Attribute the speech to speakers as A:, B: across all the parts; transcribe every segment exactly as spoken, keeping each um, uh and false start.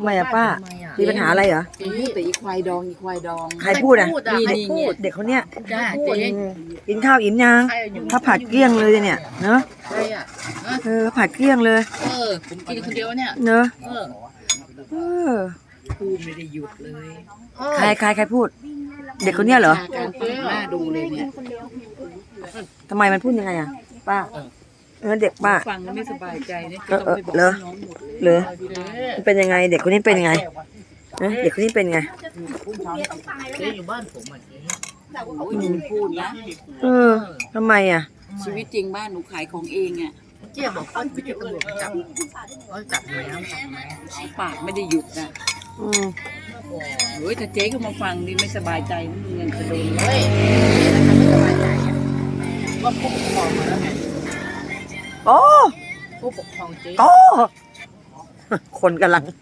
A: ทำไมอะป้ามีปัญหาอะไรเหรอ
B: พูดแต่อีควายดองอีควายดอง
A: ใครพูดอ่ะ
B: นี่
A: ใคร
B: นี่
A: พู
B: เงี้
A: ด
B: ย
A: เด็กคนเนี้ย
B: จ้า
A: พูด
B: เจ๊
A: กินข้าวอิ่มยังถ้าผัดเกลี้ยงเลยเนี่ยเนอะ
B: ใครอ่ะ
A: เออผัดเกลี้ยงเลย
B: เออผมกินคนเดียวเนี่ย
A: เนอะ
B: เออ
A: เออ
B: พูดไม่ได้หยุดเลย
A: ใครใครใครพูด เด็กคนเนี้ยเหรอ
B: การเจ๊หน้าดูเลยเนี่ย
A: ทำไมมันพูดยังไงอ่ะป้าเออเด็กป้า
B: ฟังแล้วไม่สบายใจเนี่ย
A: เออเออเหรอเหรอมันเป็นยังไง เด็กคนนี้เป็นยังไงเนอะเด็กคนนี้เป็นยังไง
B: เจ๊อยู่บ้านผมอ่ะเจ๊โอ้ยหนูพูดนะ
A: เออทำไมอ่ะ
C: ชีวิตจริงบ้านหนูขายของเองอ่ะ
B: เจ๊บอกว่าไปเจอตำรวจมาจับเขาจับแล้วจับแล้ว
C: ปากไม่ได้หยุดนะ
A: อืม
C: โอ้ยถ้าเจ๊ก็มาฟังนี่ไม่สบายใจนะมึงยังจะโดน
B: เฮ้ยไม่สบายใจอะว่าผู้ปกครองมาแล้วไง
A: โอ้
B: ผู้ปกครองเจ๊
A: โอ้คนกำลัง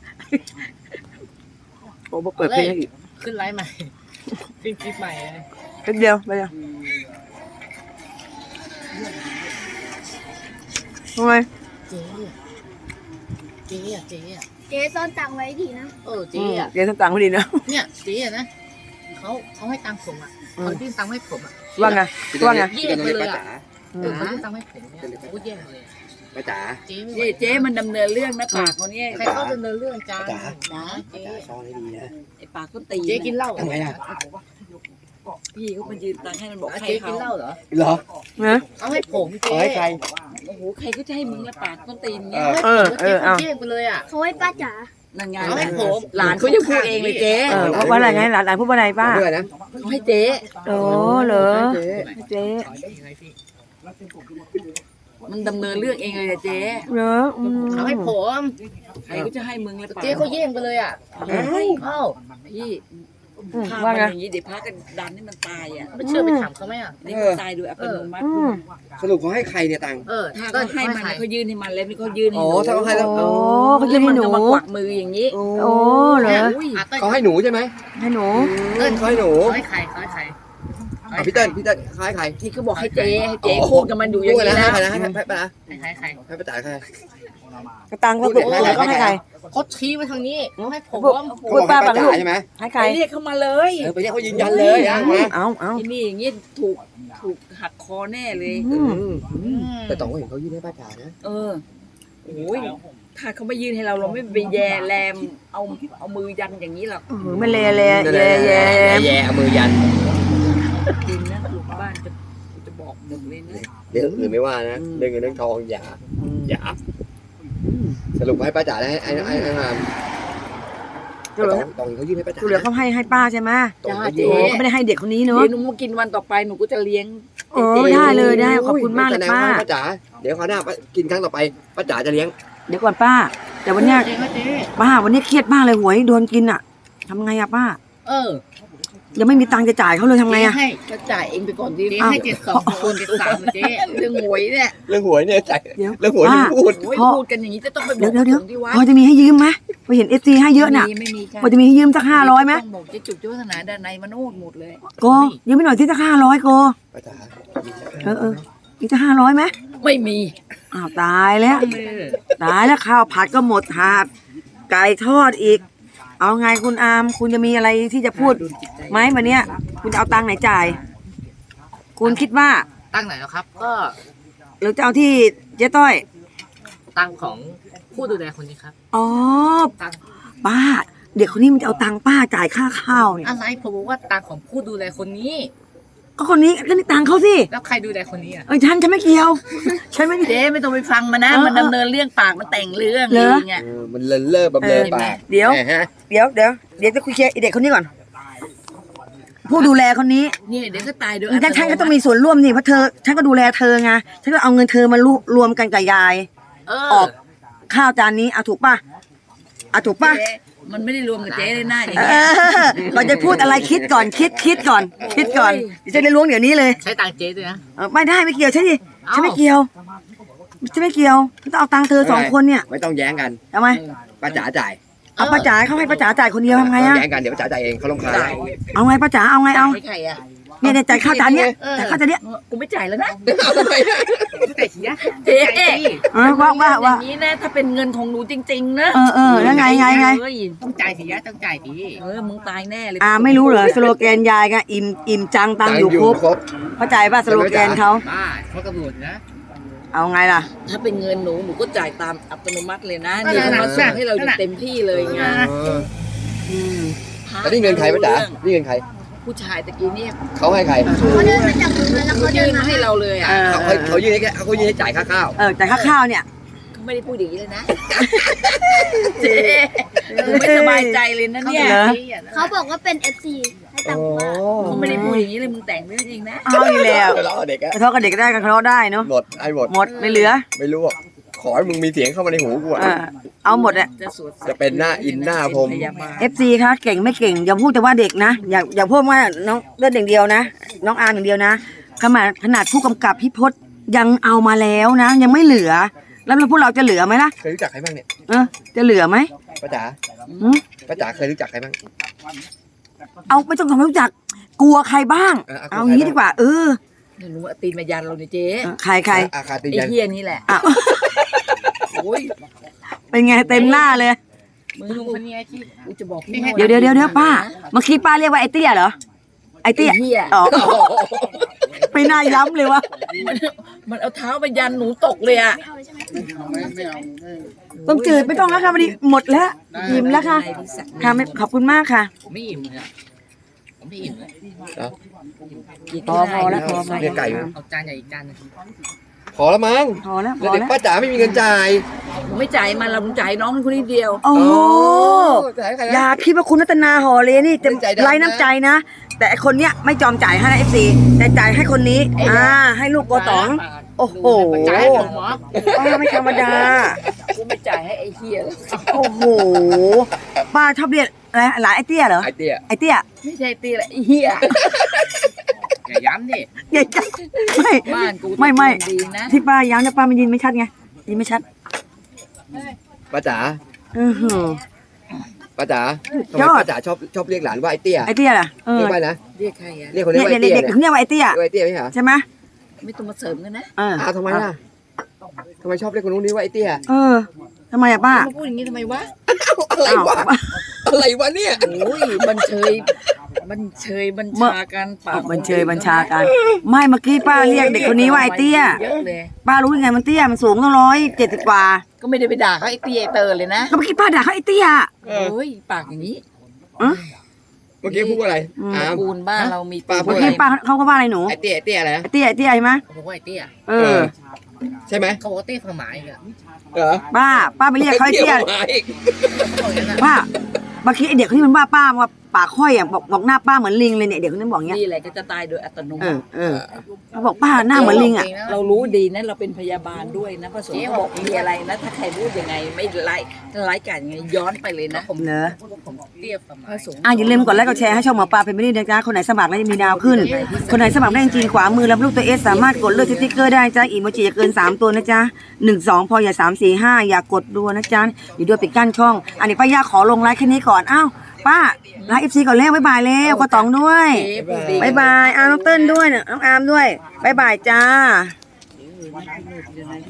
A: โอ้มาเปิดเพลงให้อีก
B: ขึ้นไลฟ์ใหม่ขึ้นคลิปใหม่เลย
A: แป๊บเดียวไปเลยทำไม
B: เจ๊อะเจ๊อะเจ๊อะ
D: เจ๊ซ่อนตังค์ไว้ทีนะ
B: เออเจ๊อะ
A: เดี๋ยวตังค์ไม่ดีนะ
B: เนี่ยเจ๊อะนะเขาเขาให้ตังค์ผมอ่ะเขายื่นตังค์ให้ผมอ่ะ
A: ว่าไงว่าไง
B: แย่งไปเลยอ่ะ
A: อื
B: เออ
A: ม
B: เขายื่นตังค์ให้ผมเนี่ยโอ้แย่งเลย
E: ป้าจ๋า
B: เจ๊ไม่
C: เจ๊เจ๊มันดำเนินเรื่องนะปากเขาเนี่ย
B: ใครเข้าดำเนินเรื่องจ้า
E: จ๋า
B: นะเจ๊
E: ป้าจ๋าซ่อนให้ดีนะ
C: ไอ้ปากก็ตี
B: เจ๊กินเหล้า
E: ทำไมอ่ะ
C: พี่เขามายืนตังค์ให้มันบอก
B: อ่ะ
C: ใคร
B: เจ๊กิ
C: เขา
B: นเหล้าเหรอ
E: เหรอ
A: นะ
B: เอาให้ผมเจ๊
E: ขอให้ใคร
C: โอ้โหใครก็จะให้มึงละปากก็ตีน
E: เอ
C: เงี้ย
E: อ
A: เออเออเอา
B: แย่งไปเลยอ่ะ
D: เขาให้ป้าจ๋า
C: นั่นไง
B: เอาให้ผม
C: หลานเขายังพูดเองเลยเจ๊
A: เออเพราะว่าอะไรไงหลานหลานพูดว่าอะไรป้า
E: เพื่อนนะ
C: เขาให้เจ๊
A: โอ้เหรอ
E: เจ๊
A: เจ๊
C: มันดำเนินเรื่องเองเลยอะเจ๊
A: เหรออืม
B: เอาให้ผม
C: ใครก็จะให้มึงละปาก
B: เจ๊เขาแย่งไปเลยอ่ะ
E: เอ้ย
B: เอ้า
C: พี่
A: อืม
C: ฆ่า
A: ว่า
C: มัน
A: ไง
C: อย่างนี้เดี๋ยวพากันดันให้มันตายอ่ะ
B: ไม่เชื่อไปถามเขาไหมอ่ะ
C: นี่มันตายโดยอัตโนมัติ
A: อืม
E: สรุปเขาให้ใครเนี่ยตังค์
B: เออ
C: ถ้า
B: ก็
C: เขาให้มันเขายื่นให้มันแล้วนี่เขายื่นให้
E: อ๋อ
C: หนู
E: ถ้าเขาให้แล้ว
A: โอ้เขาจะให้หนู
C: แล้วมัก็มากวักมืออย่างนี้
E: โอ้
A: โอ้เหรอ
C: อุ้ย
B: อ่ะเต้ย
E: เขาให้หนูใช่ไหม
A: ให้หนู
E: เต้นเขาให้หนู
B: เขาให้ใครเขาให้ใคร
E: อ่ะพี่เต้นพี่เต้นเขาให้ใคร
C: ที่เขาบอกให้เจ๊ให้เจ๊พูดกับมันอยู่อย่าง
E: พูด
C: นี้
E: นะให้
C: นะ
E: ใครนะให้ใครให้ป้านะ
B: ให้ใครใคร
E: ให้ป้าจ๋าใคร
A: กระตังก็ถูกแล้วก็ให้ใคร
B: เขาชี้มาทางนี้เขาให้ผม
A: พูดป้า
E: เข
A: ปั
E: บ
A: ง
E: อก
A: ลูก
E: ให้ป้าจ๋าใช่ไหม
A: ให้ใคร
C: ไปเรียกเขามาเลย
E: เออไปเรียกเขายืนยันเลยอ่ะมา
A: เอาเอา
C: ที่นี่อย่างนี้ถูกถูกหักคอแน่เลย
A: อืม
E: อืมแต่ต้องเห็นเขายื่นให้ป้าจ๋านะ
C: เออโอ้ยถ้าเขาไม่ยื่นให้เราเราไม่ไปแย่แรมเอาเอามือยันอย่างนี้หรอก
A: เออไม่แลแลแย่แย่
E: แย่เอามือยัน
C: จริงนะลูกบ้านจะจะบอกหมดเลยนะ
E: เรื่องอื่นไม่ว่านะเรื่องเงินเรื่องทองอย่าอย่าสรุปให้ป้าจ๋าได้ไอ้ไอ้ไอ้มา
A: จุเหลือ
E: ต้องเขายื่นให้ป้าจ๋า
A: จุเหลือเขาให้ให้ป้าใช่ไหม
C: จ้า
A: โอ้
C: เจ๊
A: เขาไม่ได้ให้เด็กคนนี้เนอะ
C: เดี๋ยวหนูมากินวันต่อไปหนูก็จะเลี้ยง
A: โอ้ได้เลยได้ขอบคุณมากเลยป้า
E: ป้าจ๋าเดี๋ยวคราวหน้ากินครั้งต่อไปป้าจ๋าจะเลี้ยง
A: เดี๋ยวก่อนป้า แต่วันเนี้ย
B: เจ๊ก็เจ๊
A: ป้าวันนี้เครียดมากเลยหวยโดนกินอ่ะทำไงอะป้า
B: เออ
A: ยังไม่มีตังค์จะจ่ายเขาเลยทำไงอะ
B: ให้
C: ก็จ่ายเองไปก่อนดิ
B: เจ๊ให้เจ็ดสองคนเจ็ดสามเจ๊
C: เรื่องหวยเนี่ย
E: เรื่องหวยเนี่ยใจ
A: เดี๋ยว
E: เรื่องหวยนี่พูด
C: โอ้ย
A: พ่อ
C: พูดกันอย่างนี้จะต้องไปบ
A: เดี๋
C: อย ก
A: วเดี๋ยวเดี๋ยว
C: ผมที่วัด
A: พอจะมีให้ยืมไหมไปเห็นเอฟซีให้เยอะน่ะ
C: ไม่มีไม่มีค่ะ
A: พอจะมีให้ยืมสักห้าร้อยไหม
C: ต้องบอกเจ๊จุกเจ้าวัฒนาด้านในมาโนดหมดเลย
A: โกยืมไม่หน่อยที่สักห้าร้อยโก
E: ป้าจ๋า
A: เออเอออีกสักห้าร้อยไหม
C: ไม่มี
A: อ้าวตายแล้ว
C: เออ
A: ตายแล้วข้าวผัดก็หมดถาดไก่ทอดอีก เอาไงคุณอามคุณจะมีอะไรที่จะพูดไหมวันเนี้ย คุณจะเอาตังค์ไหนจ่าย คุณคิดว่า
B: ตั้งไหนแล้วครับ ก็
A: หรือจะเอาที่เจ๊ต้อย
B: ตั้งของผู้ดูแลคนนี้ครับ
A: อ๋อ
B: ตั้ง
A: ป้า เด็กคนนี้มันจะเอาตังค์ป้าจ่ายค่าข้าวเนี่ย
B: อะไรผมบอกว่าตังของผู้ดูแลคนนี้
A: ก็คนนี้ก็นี่ตังค์เขาสิ
B: แล้วใครดูแลคนนี้อ่ะ
A: เออฉันฉันไม่เกี่ยว ฉันไม่
C: เจ๊ไม่ต้องไปฟังมันนะ
A: เออ
C: มันดำเนินเรื่องปากมันแต่งเรื่อง
A: เหรอ
C: เองอ่ะ
E: เออมันเลินเล่อแบบเลินปาก
A: เดี๋ยว
E: แหมฮะ
A: เดี๋ยวเดี๋ยวเดี๋ยวจะคุยเคลียร์ไอ้เด็กคนนี้ก่อน ผู้ดูแลคนนี้
C: เนี่ยเดี๋ยวก็ตายโดย
A: ฉันฉันก็ต้องมีส่วนร่วมนี่เพราะเธอฉันก็ดูแลเธอไงฉันก็เอาเงินเธอมารวรวมกันกับยาย
B: เอ
A: อ
B: อ
A: อกข้าวจานนี้เอาถูกป่ะเอาถูกป่ะ
C: เจ๊มันไม่ได้รวมกับเจ๊เลยหน้าอย่าง
A: เอ
C: เงี้ย
A: อก่อนจะพูดอะไรคิดก่อนคิดคิดก่อน คิดก่อนเดี๋ยวจะได้ล้วงเดี๋ยวนี้เลย
B: ใช้ตังเจ๊ด้วยนะ
A: เออไม่ได้ไม่เกี่ยวใช่ดิ
B: เอ้า
A: ฉันไม่เกี่ยวฉันไม่เกี่ยวฉันต้องเอาตังค์เธอสองคนเนี่ย
E: ไม่ต้องแย้งกัน
A: ทำไม
E: ป้าจ๋าจ่าย
A: เอาป้าจ๋าเขาให้ป้าจ๋าจ่ายคนเดียวทำไง
E: ไม่ต้อ
A: อะ
E: งแย้งกันเดี๋ยวป้าจ๋าจ่ายเองเขาลงคาญ
C: จ่าย
A: เอาไงป้าจ๋าเอาไงเอา
C: ให้ใครอ่ะ
A: เนี่ยเนี่ยจ่ายข้าวจานเนี้ยจ่ายข้าวจานเนี้ย
C: กูไม่จ่ายแล้วนะ
E: เอาทำไมอะ
B: แต่เสีย
C: เจ๊
A: เออว่าว่าว่า
C: อย่างนี้นะถ้าเป็นเงินของหนูจริง ๆ นะ
A: เออเออแล้วไงไงไง
C: เฮ้ย
B: ต้องจ่ายสิยะต้องจ่ายสิ
C: เออมึงตายแน่เลย
A: อ่าไม่รู้เหรอสโลแกนยายก็อิ่มอิ่มจังตังอยู่ครบ
E: ครบ
A: เข้าใจป่ะสโลแกนเขา
B: บ้าเขากำหนดนะ
A: เอาไงล่ะ
C: ถ้าเป็นเงินหนูหนูก็จ่ายตามอัตโนมัติเลยนะ
B: นั่น
C: นี่
B: น่ะ
C: เขามาส่งให้เราอย่างเต็มที่เลยไง
E: เออ
A: อืม
E: แล้วนี่เงินใครป้าจ๋านี่เงินใคร
C: ผู้ชายตะกี้เนี่ย
E: เขาให้ใคร
D: เขาเดินมาจากตรงนั้นแล้ว
C: เขา
D: เขาเดิ
C: ยื่
D: น
C: น
D: มา
C: มาให้เราเลยอ่ะ
A: เออ
E: เขาเขาเขายื่นให้แค่เขายื่นให้จ่ายค่าข้าว
A: เออจ่ายค่าข้าวเนี่ย
C: เขาไม่ได้พูดอย่างนี้เลยนะเจ๊หนูไม่สบายใจเลยนะเนี่ย
A: เหรอ
D: เขาบอกว่าเป็น เอฟ ซี ให้ตังค์ว่า
C: เขาไม่ได้พูดอย่างนี้เลยมึงแต่งเรื่องเองนะ
A: เอาอีกแล้ว
E: เราเด็กอะ
A: กระทบกับเด็กก็ได้กระทบได้เนาะ
E: หมดไอ้หมด
A: หมดไม่เหลือ
E: ไม่รู้อะขอให้มึงมีเสียงเข้ามาในหูกูอะ
A: เออเอาหมดอะ
C: จะสวด
E: จะเป็นหน้าอินหน้าพรหม
C: เป็นพยาบาล
A: เอฟซีคะเก่งไม่เก่งอย่าพูดแต่ว่าเด็กนะอย่าอย่าพูดว่าน้องเลือดอย่างเดียวนะ น้องอาร์มอย่างเดียวนะขนาดขนาดผู้กำกับพี่พศยังเอามาแล้วนะ ยังไม่เหลือ แล้วพวกเราจะเหลือไหมล่ะ
E: เคยรู้จักใครบ้างเนี่ย
A: เออจะเหลือไหม
E: ป้าจ๋า
A: หืม
E: ป้าจ๋าเคยรู้จักใครบ้าง
A: เอาไม่ต้องทำให้รู้จัก กลัวใครบ้าง
E: เออเอา
A: เอางี้ดีกว่า เออ
C: ไม่รู้ว่าตีนมายันเราเนี่ยเจ๊
A: เออใครใคร
E: อาคาติ
C: ไอ้
E: ยัน
C: เฮียนี่แหละ
A: อ่ะ
C: โอ้ย
A: เป็นไงเต็มหน้าเลย
C: มึง
B: ลุงคนนี้ที่
C: กูจะบอกพี่
A: เดี๋ยวเดี๋ยวเดี๋ยวเดี๋ยวป้าเมื่อกี้ป้าเรียกว่าไอ้เตี้ยเหรอไอ้เตี้ย
C: ไอ้เฮีย
A: อ๋อไม่น่าย้ำเลยว่า
C: มันเอาเท้าไปยันหนูตกเลยอ่ะ
D: ไม่เอาเลยใช่ไหม
A: ต้มจืดไม่ต้องแล้วค่ะวันนี้หมดแล้วอิ่มแล้วค่ะ
C: นายที่สักดิ์
A: ค่ะไม่ขอบคุณมากค่ะ
B: ผมไม่อิ่มเลยผมไม่อิ่มเลย
A: พอพอแล้วพอพอ
E: เรียกไก่มั้ย
B: เอาจานใหญ่อีกจานนึง
E: พอแล้วมั้ง
A: พอแล้วพ
E: แล้ว
A: อ
E: เด็ก
A: แล้ว
E: ป้าจ๋าไม่มีเงินจ่าย
C: มึงไม่จ่ายมันเรามึงจ่ายน้องคนนี้เดียว
A: โอ้โห
E: จ่ายให้ใคร
A: อ
E: นะ
A: ย่าคิดว่าคุณรัตนาห่อเลยนี่จะ
E: ใจดำนะ
A: ไร้น้ำใจนะ แต่ไอ้คนเนี้ยไม่จอมจ่ายให้นะเอฟซีแต่จ่ายให้คนนี้อ่าให้ลูกโกต๋อง โอ้โห
B: จ่ายให้ผมเหรอ
A: ป้าไม่ธรรมดา
C: กูไม่จ่ายให้ไอ้เฮียหรอก
A: โอ้โหป้าชอบเรียกอะไรหลานไอ้เตี้ยเหรอ
E: ไอเตี้ย
A: ไอ้เตี้ย
C: ไม่ใช่ตีแหละไอ้เฮีย
B: อย่าย้ำดิ
A: ใหญ่จังไม่
C: บ้านกู
A: ไม่ไม่
C: ดีนะ
A: ที่ป้าย้ำเนี่ยป้ามันยินไม่ชัดไงยินไม่ชัด
E: ป้าจ๋า
A: อือหือ
E: ป้าจ๋าทำ
A: ย
E: ไม
A: อด
E: ป้าจ๋าชอบชอบเรียกหลานว่าไอเตี้ย
A: ไอ้เตี้ยล่ะเออ
E: เรียกว่านะ
C: เรียกใครอ่ะ
E: เรียกคน
A: เนี่
E: เรีย
A: ย
E: กว่าไอ
A: เด็
E: เตี้ย
A: กๆเขาเรียกว่าไอ้เตี้ย
E: เรียกว่าไอเตี้ยไม่ใช่เหรอ
A: ใช่ไหม
C: ไม่ต้องมาเสริมกันนะ
A: เออ
E: อ้าวทำไมล่ะทำไมชอบเรียกคนนู้นนี่ว่าไอเตี้ย
A: เออทำไมอะป้า
C: มาพูดอย่างนี้ทำไมวะ
E: อะไรวะอะไรวะเนี่ย
C: โอ้ยบันเชยบันเชยบัญชาการปาก
A: บัญเชยบัญชาการไม่เมื่อกี้ป้าเรียกเด็กคนนี้ว่าไอ้เตี้ย
C: เยอะเลย
A: ป้ารู้ยังไงมันเตี้ยมันสูงตั้งร้อยเจ็ดสิบกว่า
C: ก็ไม่ได้ไปด่าเขาไอ้เตี้ยไอ้เตอร์เลยนะ
A: ก็เมื่อกี้ป้าด่าเขาไอ้เตี้ย
C: โอ้ยปากอย่างนี้
E: เมื่อกี้พูดว่าอะไร
A: อืม
E: อ้าว
C: ปูนบ้านเรามี
E: ป้าพู
A: เมื่
E: ด
A: อ
E: อะไร
A: กี้ป้าเขาก็ว่าอะไรหนู
E: ไอเตี้ยไอเตี้ยอะไรนะ
A: ไอ้เตี้ยไอ้เตี้ยใช่ไหม
B: ผมว่าไอ้เตี้ย
A: เออ
E: ใช่ไหม
B: เขาบอกว่าเตี้ยความหมายอีกอะ
E: เหรอ
A: ป้าป้าไปเรียกเขาไอ้เตี้ย
E: มาอีก
B: เขาบอกอย่างนั้นอะ
A: ป้าเมื่อกี้ไอ้เด็กคนนี้มันว่าป้าว่าปากค่อยอ่ะบอกบอกหน้าป้าเหมือนลิงเลยเนี่ยเด็กคนนั้นบอกเงี้ย
C: นี่แหละก็จะตายโดยอัตโน
A: เอ
C: มั
A: อ
C: ติ
A: เออเขาบอกป้าหน้าเหมือนลิงอ่ะ
C: เรารู้ดีนะเราเป็นพยาบาลด้วยนะพระสงฆ์เขาบอกมีอะไรนะ ถ้าใครพูดยังไงไม่ไล่ไล่กันยังไงย้อนไปเลยนะ
B: ผม
A: เหรอ
B: ผมเตี้ยความห
C: พ
B: มาย
C: ระสงฆ์
A: อ่ะอย่าลืมกดไลค์กดแชร์ให้ช่องหมอปลาเป็นไม่ได้นะจ๊ะคนไหนสมัครแล้วจะมีดาวขึ้น คนไหนสมัครได้จริงๆขวามือรับลูกตัวเอสสามารถกดเลือกสติ๊กเกอร์ได้จ้าอีโมจิอย่าเกินสามตัวนะจ๊ะหนึ่งสองพออย่าสามสี่ห้าอย่ากดดูนะจ๊ะอยู่ด้วยปิดกั้นช่อง อันนี้ป้าย่าขอลงไลค์แค่นี้ก่อนอ้าวป้าไลค์เอฟซีก่อนแล้วบ๊ายบายแล้วก็ตองด้วย
C: เจ๊พูดดี
A: บ๊ายบายอาร์มน้องเติ้ลด้วยน้องอาร์มด้วยบ๊ายบายจ้า